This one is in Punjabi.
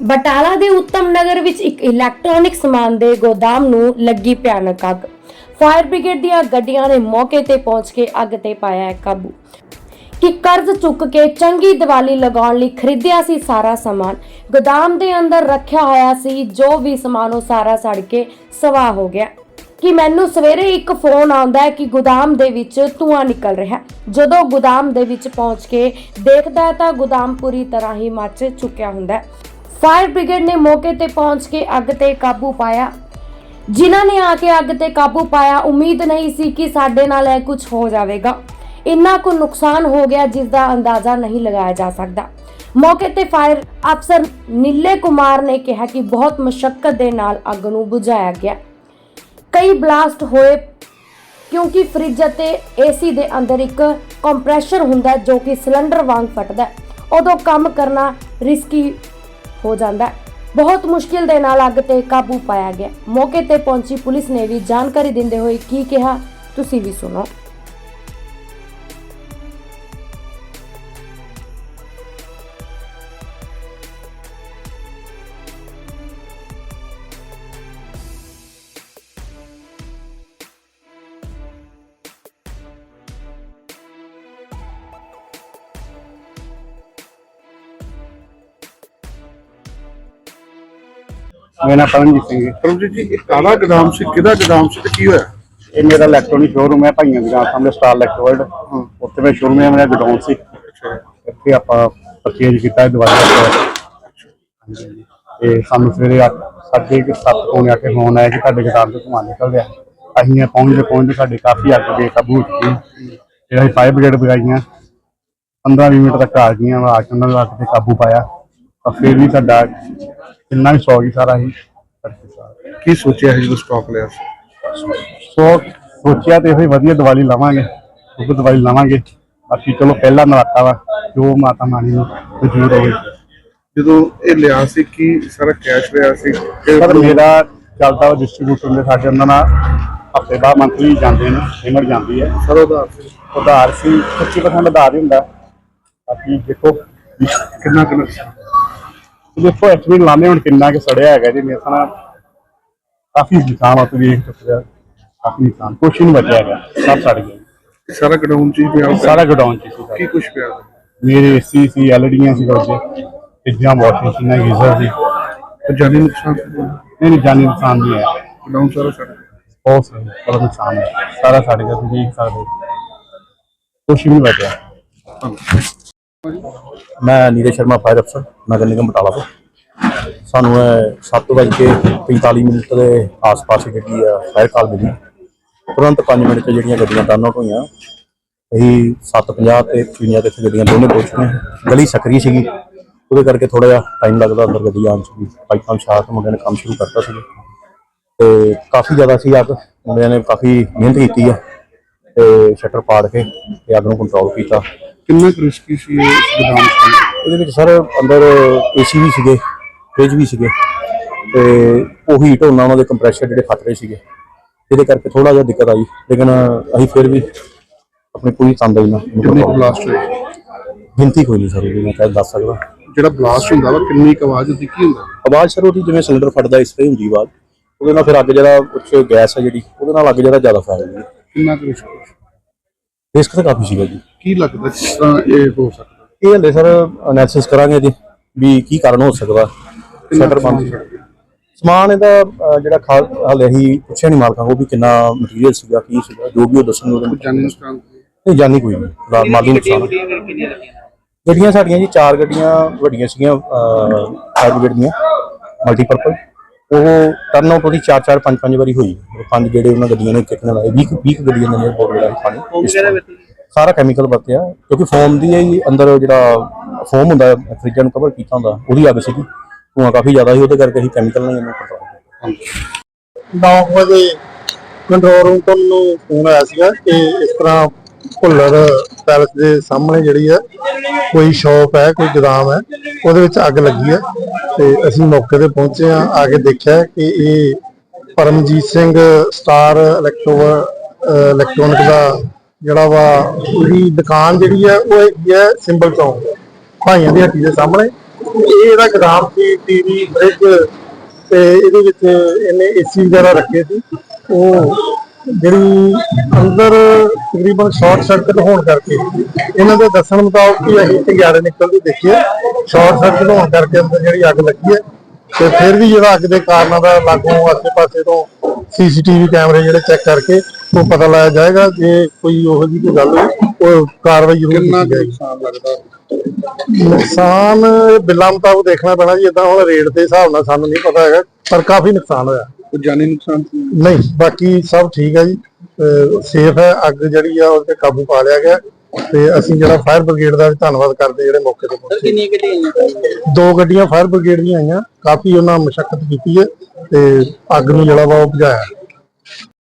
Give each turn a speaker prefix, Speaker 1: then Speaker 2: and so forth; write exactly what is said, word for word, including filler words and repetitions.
Speaker 1: ਬਟਾਲਾ ਦੇ ਉੱਤਮ ਨਗਰ ਵਿੱਚ ਇੱਕ ਇਲੈਕਟ੍ਰੋਨਿਕ ਸਮਾਨ ਦੇ ਗੋਦਾਮ ਨੂੰ ਲੱਗੀ ਭਿਆਨਕ ਅੱਗ। ਫਾਇਰ ਬ੍ਰਿਗੇਡ ਦੀਆਂ ਗੱਡੀਆਂ ਨੇ ਮੌਕੇ ਤੇ ਪਹੁੰਚ ਕੇ ਅੱਗ ਤੇ ਪਾਇਆ ਹੈ ਕਾਬੂ। ਕਿ ਕਰਜ਼ ਚੁੱਕ ਕੇ ਚੰਗੀ ਦੀਵਾਲੀ ਲਗਾਉਣ ਲਈ ਖਰੀਦਿਆ ਸੀ ਸਾਰਾ ਸਮਾਨ, ਗੋਦਾਮ ਦੇ ਅੰਦਰ ਰੱਖਿਆ ਹੋਇਆ ਸੀ। ਜੋ ਵੀ ਸਮਾਨ ਉਹ ਸਾਰਾ ਸੜ ਕੇ ਸਵਾਹ ਹੋ ਗਿਆ। ਕਿ ਮੈਨੂੰ ਸਵੇਰੇ ਇੱਕ ਫੋਨ ਆਉਂਦਾ ਹੈ ਕਿ ਗੋਦਾਮ ਦੇ ਵਿੱਚ ਧੂਆਂ ਨਿਕਲ ਰਿਹਾ। ਜਦੋਂ ਗੋਦਾਮ ਦੇ ਵਿੱਚ ਪਹੁੰਚ ਕੇ ਦੇਖਦਾ ਤਾਂ ਗੋਦਾਮ ਪੂਰੀ ਤਰ੍ਹਾਂ ਹੀ ਮੱਚ ਚੁੱਕਿਆ ਹੁੰਦਾ। ਫਾਇਰ ਬ੍ਰਿਗੇਡ ਨੇ ਮੌਕੇ ਤੇ ਪਹੁੰਚ ਕੇ ਅੱਗ ਤੇ ਕਾਬੂ ਪਾਇਆ। ਜਿਨ੍ਹਾਂ ਨੇ ਆ ਕੇ ਅੱਗ ਤੇ ਕਾਬੂ ਪਾਇਆ, ਉਮੀਦ ਨਹੀਂ ਸੀ ਕਿ ਸਾਡੇ ਨਾਲ ਇਹ ਕੁਝ ਹੋ ਜਾਵੇਗਾ। ਇੰਨਾ ਕੁ ਨੁਕਸਾਨ ਹੋ ਗਿਆ ਜਿਸ ਦਾ ਅੰਦਾਜ਼ਾ ਨਹੀਂ ਲਗਾਇਆ ਜਾ ਸਕਦਾ। ਮੌਕੇ ਤੇ ਫਾਇਰ ਅਫਸਰ ਨੀਲੇ ਕੁਮਾਰ ਨੇ ਕਿਹਾ ਕਿ ਬਹੁਤ ਮੁਸ਼ੱਕਤ ਦੇ ਨਾਲ ਅੱਗ ਨੂੰ ਬੁਝਾਇਆ ਗਿਆ। ਕਈ ਬਲਾਸਟ ਹੋਏ ਕਿਉਂਕਿ ਫ੍ਰਿਜ ਅਤੇ ਏਸੀ ਦੇ ਅੰਦਰ ਇੱਕ ਕੰਪਰੈਸ਼ਰ ਹੁੰਦਾ ਜੋ ਕਿ ਸਿਲੰਡਰ ਵਾਂਗ ਫਟਦਾ, ਉਦੋਂ ਕੰਮ ਕਰਨਾ ਰਿਸਕੀ ਹੋ ਜਾਂਦਾ। ਬਹੁਤ ਮੁਸ਼ਕਿਲ ਦੇ ਨਾਲ ਅੱਗ ਤੇ ਕਾਬੂ ਪਾਇਆ ਗਿਆ। ਮੌਕੇ ਤੇ ਪਹੁੰਚੀ ਪੁਲਿਸ ਨੇ ਵੀ ਜਾਣਕਾਰੀ ਦਿੰਦੇ ਹੋਏ ਕੀ ਕਿਹਾ, ਤੁਸੀਂ ਵੀ ਸੁਣੋ।
Speaker 2: मेरा नाम परमजीत सिंह है।
Speaker 3: परमजीत जी, एक काला गोदाम से किदा गोदाम से की होया?
Speaker 2: ये मेरा इलेक्ट्रॉनिक शोरूम है भाइयों की सामने स्टार इलेक्ट्रोवर्ल्ड, उत्थे मैं शोरूम है, मेरा गोडाउन से इत्थे आपां परचेज कीता दिवाली ते सानू सवेरे साढ़े सत्त पौने अठ फोन आया कि साडे गोदाम चों धुआं निकल रहा। असीं पहुंचदे पहुंचदे साडी काफ़ी अग बेकाबू हो चुकी। फिर असीं फायर ब्रिगेड बुलाईयां, पंद्रह बीस मिनट तक आ गईयां, आ के उन्होंने अग ते काबू पाया। और फिर भी साडा कितना भी सौ ही सारा ही
Speaker 3: की सोचा है जो स्टॉक लिया?
Speaker 2: सो सोचा तो यही वधिया दिवाली लावांगे, क्योंकि दिवाली लावांगे। बाकी चलो पहला नराता वा जो माता रानी मंजूर होवे।
Speaker 3: जो ये लिया सी की सारा कैश लिया सी?
Speaker 2: सर मेरा चलता वा डिस्ट्रीब्यूटर ने साडे उन्हां नाल हफ्ते बाद मंथली जांदे ने, पेमेंट जांदी है।
Speaker 3: सर उधार
Speaker 2: उधार सी पच्ची परसेंट उधार ही हुंदा। बाकी देखो
Speaker 3: कितना कितना
Speaker 2: देखो एक्चुअली लाने हुण किन्ना कि सड़िया है जी। मेरे साथ काफी नुकसान आप देख सकते हो, काफी नुकसान, कुछ नहीं बचा है, सब सड़ गया।
Speaker 3: सारा गोडाउन ची पिया?
Speaker 2: सारा गोडाउन ची
Speaker 3: की कुछ पिया?
Speaker 2: मेरे एसी सी, एलईडीआं सी, फ्रिजां, वॉशिंग मशीनां, गीजर सी।
Speaker 3: तो जानी नुकसान
Speaker 2: नहीं नहीं जानी नुकसान नहीं है।
Speaker 3: गोडाउन सारा सड़ गया?
Speaker 2: बहुत सही बड़ा नुकसान है, सारा सड़ गया, तुम देख सकते, कुछ नहीं बचा।
Speaker 4: मैं नीरज शर्मा फायर अफसर नगर निगम बटाला तो सानू सत्त बज के पैंताली मिनट के आस पास जी फायर कॉल मिली। तुरंत पाँच मिनट से जी गड्डियां टर्न आउट हुई। यही सत्त पंजाह तो पचवंजा तो इतने गड्डियां दोनों पहुँच गई। गली सकरी सी, वो करके थोड़ा जहा टाइम लगता अंदर गड्डी आने से। पाइपां छात मुंडे ने काम शुरू करता सी तो काफ़ी ज़्यादा सी अग। मुंडिया ने काफ़ी मेहनत की है तो शटर पाड़ के अग को कंट्रोल किया।
Speaker 3: कितना रिस्की सी गोदाम?
Speaker 4: ये सर अंदर एसी भी सीगे, फ्रिज भी सीगे ते वो हीट होना उन्होंने कंप्रैशर जो फट रहे थे, ये करके थोड़ा जहा दिक्कत आई। लेकिन अभी फिर भी अपनी पूरी तंदाई ना
Speaker 3: ब्लास्ट हुई
Speaker 4: गिनती कोई नहीं सर, मैं कह दस सकता।
Speaker 3: जो ब्लास्ट होंदा वा कितनी आवाज़ होती की होंदा?
Speaker 4: आवाज़ सर वो जिवें सिलेंडर फटदा इस तरह होंदी आवाज़, वो फिर अग जरा कुछ गैस है जी वो अग जरा ज़्यादा फैल गई।
Speaker 3: कितना रिस्क
Speaker 4: रिस्क तो काफ़ी सीगा जी।
Speaker 3: की लगता किस तरह ये हो सकता?
Speaker 4: ये हले सर एनालिसिस करांगे जी भी की कारण हो सकता। शटर बंद समान ਇਹਦਾ ਜਿਹੜਾ ਖਾ ਹਲੇ ਹੀ ਪੁੱਛਿਆ ਨਹੀਂ ਮਾਲਕਾਂ को भी कितना मटीरियल ਸੀਗਾ ਕੀ ਸੀਗਾ, ਜੋ ਵੀ ਉਹ ਦੱਸਣਗੇ।
Speaker 3: जानी नुकसान
Speaker 4: नहीं जानी कोई नहीं, माली नुकसान। ਗੱਡੀਆਂ ਸਾਡੀਆਂ ਜੀ ਚਾਰ ਗੱਡੀਆਂ ਵੱਡੀਆਂ ਸੀਗੀਆਂ ਫਾਇਰ ਬ੍ਰਿਗੇਡ ਦੀਆਂ ਮਲਟੀਪਰਪਲ। ਉਹ ਟਰਨ ਆਊਟ ਉਹਦੀ ਚਾਰ ਚਾਰ ਪੰਜ ਪੰਜ ਵਾਰੀ ਹੋਈ। ਪੰਜ ਜਿਹੜੇ ਉਹਨਾਂ ਗੱਡੀਆਂ ਨੇ ਕਿਤਨੇ ਲਾਏ ਵੀਹ ਵੀਹ ਗੱਡੀਆਂ ਨੇ ਬਹੁਤ ਬੜਾ ਪਾਣੀ ਸਾਰਾ ਕੈਮੀਕਲ ਵਰਤਿਆ, ਕਿਉਂਕਿ ਫੋਮ ਦੀ ਹੀ ਅੰਦਰ ਜਿਹੜਾ ਫੋਮ ਹੁੰਦਾ ਫਰਿੱਜਾਂ ਨੂੰ ਕਵਰ ਕੀਤਾ ਹੁੰਦਾ ਉਹਦੀ ਅੱਗ ਸੀਗੀ। ਧੂਆਂ ਕਾਫੀ ਜ਼ਿਆਦਾ ਸੀ, ਉਹਦੇ ਕਰਕੇ ਅਸੀਂ ਕੈਮੀਕਲ ਨਾਲ ਇਹਨੂੰ ਕੰਟਰੋਲ ਕੀਤਾ।
Speaker 5: ਨੌ ਵਜੇ ਕੰਟਰੋਲ ਰੂਮ ਤੋਂ ਮੈਨੂੰ ਫੋਨ ਆਇਆ ਸੀਗਾ ਕਿ ਇਸ ਤਰ੍ਹਾਂ ਭੁੱਲਰ ਪੈਲਸ ਦੇ ਸਾਹਮਣੇ ਜਿਹੜੀ ਹੈ ਕੋਈ ਸ਼ੌਪ ਹੈ, ਕੋਈ ਗੋਦਾਮ ਹੈ, ਉਹਦੇ ਵਿੱਚ ਅੱਗ ਲੱਗੀ ਹੈ। ਤੇ ਅਸੀਂ ਮੌਕੇ ਤੇ ਪਹੁੰਚੇ ਹਾਂ, ਆ ਕੇ ਦੇਖਿਆ ਕਿ ਇਹ Paramjit Singh star electro electronic ਦਾ ਜਿਹੜਾ ਵਾ ਉਹਦੀ ਦੁਕਾਨ ਜਿਹੜੀ ਹੈ ਉਹ ਹੈਗੀ ਹੈ ਸਿੰਬਲ ਚੌਂਕ ਭਾਈਆਂ ਦੀ ਹੱਟੀ ਦੇ ਸਾਹਮਣੇ। ਇਹ ਇਹਦਾ ਗੋਦਾਮ ਸੀ, ਟੀਵੀ, ਫ੍ਰਿਜ ਤੇ ਇਹਦੇ ਵਿੱਚ ਇਹਨੇ ਏਸੀ ਵਗੈਰਾ ਰੱਖੇ ਸੀ। ਉਹ ਜਿਹੜੀ ਅੰਦਰ ਤਕਰੀਬਨ ਸ਼ਾਰਟ ਸਰਕਟ ਹੋਣ ਕਰਕੇ ਇਹਨਾਂ ਦੇ ਦੱਸਣ ਮੁਤਾਬਕ ਕਿ ਅਸੀਂ ਚੰਗਿਆੜੇ ਨਿਕਲਦੇ ਦੇਖੀਏ, ਸ਼ਾਰਟ ਸਰਕਟ ਹੋਣ ਕਰਕੇ ਅੰਦਰ ਜਿਹੜੀ ਅੱਗ ਲੱਗੀ ਹੈ। ਤੇ ਫਿਰ ਵੀ ਜਿਹੜਾ ਅੱਗ ਦੇ ਕਾਰਨਾਂ ਦਾ ਲਾਗੋਂ ਆਸੇ ਪਾਸੇ ਤੋਂ ਸੀਸੀਟੀਵੀ ਕੈਮਰੇ ਜਿਹੜੇ ਚੈੱਕ ਕਰਕੇ ਉਹ ਪਤਾ ਲਾਇਆ ਜਾਏਗਾ। ਜੇ ਕੋਈ ਉਹੋ ਜਿਹੀ ਕੋਈ ਗੱਲ ਹੋਈ ਉਹ ਕਾਰਵਾਈ ਜ਼ਰੂਰ
Speaker 3: ਕਿੰਨਾ
Speaker 5: ਕੀਤੀ
Speaker 3: ਕੁ
Speaker 5: ਜਾਏਗੀ।
Speaker 3: ਨੁਕਸਾਨ ਲੱਗਦਾ?
Speaker 5: ਨੁਕਸਾਨ ਬਿੱਲਾਂ ਮੁਤਾਬਕ ਦੇਖਣਾ ਪੈਣਾ ਜੀ, ਏਦਾਂ ਹੁਣ ਰੇਟ ਦੇ ਹਿਸਾਬ ਨਾਲ ਸਾਨੂੰ ਨਹੀਂ ਪਤਾ ਹੈਗਾ, ਪਰ ਕਾਫੀ ਨੁਕਸਾਨ ਹੋਇਆ।
Speaker 3: ਕੋਈ ਜਾਨੀ ਨੁਕਸਾਨ?
Speaker 5: ਨਹੀਂ, ਬਾਕੀ ਸਭ ਠੀਕ ਹੈ ਜੀ, ਸੇਫ ਹੈ। ਅੱਗ ਜਿਹੜੀ ਆ ਉਹ ਤੇ ਕਾਬੂ ਪਾ ਲਿਆ ਗਿਆ ਤੇ ਅਸੀਂ ਜਿਹੜਾ ਫਾਇਰ ਬ੍ਰਿਗੇਡ ਦਾ ਵੀ ਧੰਨਵਾਦ ਕਰਦੇ ਜਿਹੜੇ ਮੌਕੇ ਤੇ ਪਹੁੰਚੇ।
Speaker 6: ਕਿੰਨੀਆਂ ਗੱਡੀਆਂ?
Speaker 5: ਦੋ ਗੱਡੀਆਂ ਫਾਇਰ ਬ੍ਰਿਗੇਡ ਦੀਆਂ ਆਈਆਂ, ਕਾਫੀ ਉਹਨਾਂ ਮਸ਼ੱਕਤ ਕੀਤੀ ਹੈ ਤੇ ਅੱਗ ਨੂੰ ਜਿਹੜਾ ਵਾ ਉਹ ਬੁਝਾਇਆ।